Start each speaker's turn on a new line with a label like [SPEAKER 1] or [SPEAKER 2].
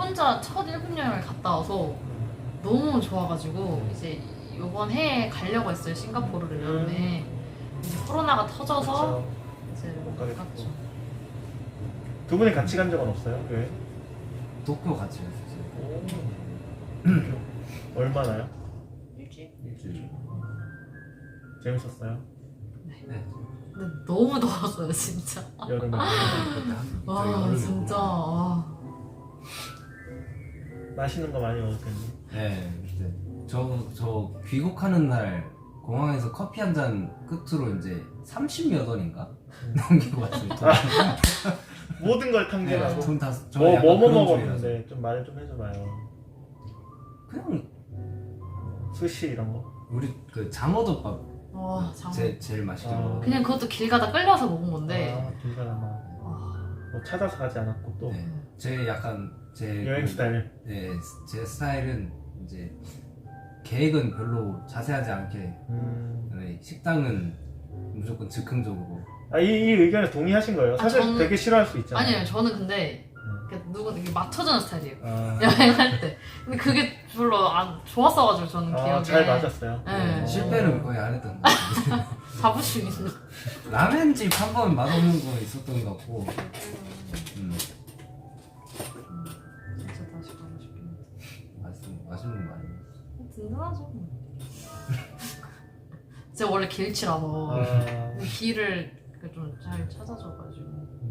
[SPEAKER 1] 혼자 첫 일본 여행을 갔다 와서 너무 좋아가지고 이제 이번 해에 가려고 했어요. 싱가포르를 여름에. 이제 코로나가 터져서
[SPEAKER 2] 그쵸.
[SPEAKER 1] 이제
[SPEAKER 2] 못
[SPEAKER 1] 못
[SPEAKER 2] 가겠고.
[SPEAKER 1] 갔죠.
[SPEAKER 2] 두 분이 같이 간 적은 없어요? 왜?
[SPEAKER 3] 도쿄 같이 갔었어요.
[SPEAKER 2] 얼마나요?
[SPEAKER 1] 일주일?
[SPEAKER 3] 일주일.
[SPEAKER 2] 재밌었어요?
[SPEAKER 3] 네.
[SPEAKER 1] 근데 너무 더웠어요 진짜.
[SPEAKER 2] 여름에.
[SPEAKER 1] 와 진짜. 와.
[SPEAKER 2] 맛있는 거 많이 먹었겠네.
[SPEAKER 3] 네. 그때 저 귀국하는 날 공항에서 커피 한 잔 끝으로 이제 30몇 원인가 넘기고 왔어요.
[SPEAKER 2] 모든 걸 탕진하고.
[SPEAKER 3] 돈 다.
[SPEAKER 2] 뭐 먹었는데 좀 말을 좀 해줘봐요.
[SPEAKER 3] 그냥
[SPEAKER 2] 스시 이런 거.
[SPEAKER 3] 우리 그 장어덮밥
[SPEAKER 1] 와 장어.
[SPEAKER 3] 제일 맛있게
[SPEAKER 2] 아.
[SPEAKER 3] 먹어.
[SPEAKER 1] 그냥 그것도 길 가다 끌려서 먹은 건데.
[SPEAKER 2] 아, 길가다마.
[SPEAKER 1] 와.
[SPEAKER 2] 뭐 찾아서 가지 않았고 또
[SPEAKER 3] 네. 제 약간 제
[SPEAKER 2] 여행 스타일.
[SPEAKER 3] 네, 제 스타일은 이제 계획은 별로 자세하지 않게 네, 식당은 무조건 즉흥적으로.
[SPEAKER 2] 이 의견에 동의하신 거예요? 사실
[SPEAKER 1] 저는-
[SPEAKER 2] 되게 싫어할 수 있잖아요.
[SPEAKER 1] 아니요 저는 근데 누구 이게 맞춰주는 스타일이에요.
[SPEAKER 2] 아,
[SPEAKER 1] 여행할 때. 근데 그게 별로 안 좋았어가지고 저는 기억에.
[SPEAKER 2] 잘 맞았어요.
[SPEAKER 1] 네.
[SPEAKER 3] 실패는 거의 안 했던 것 같아요.
[SPEAKER 1] 자부심 있는.
[SPEAKER 3] 라멘집 한 번 맛없는 거 있었던 것 같고.
[SPEAKER 1] 진짜 다시 가고 싶긴.
[SPEAKER 3] 맛있는 거 아니에요?
[SPEAKER 1] 든든하죠. 제가 원래 길치라서
[SPEAKER 2] 아,
[SPEAKER 1] 길을 좀 잘 찾아줘가지고.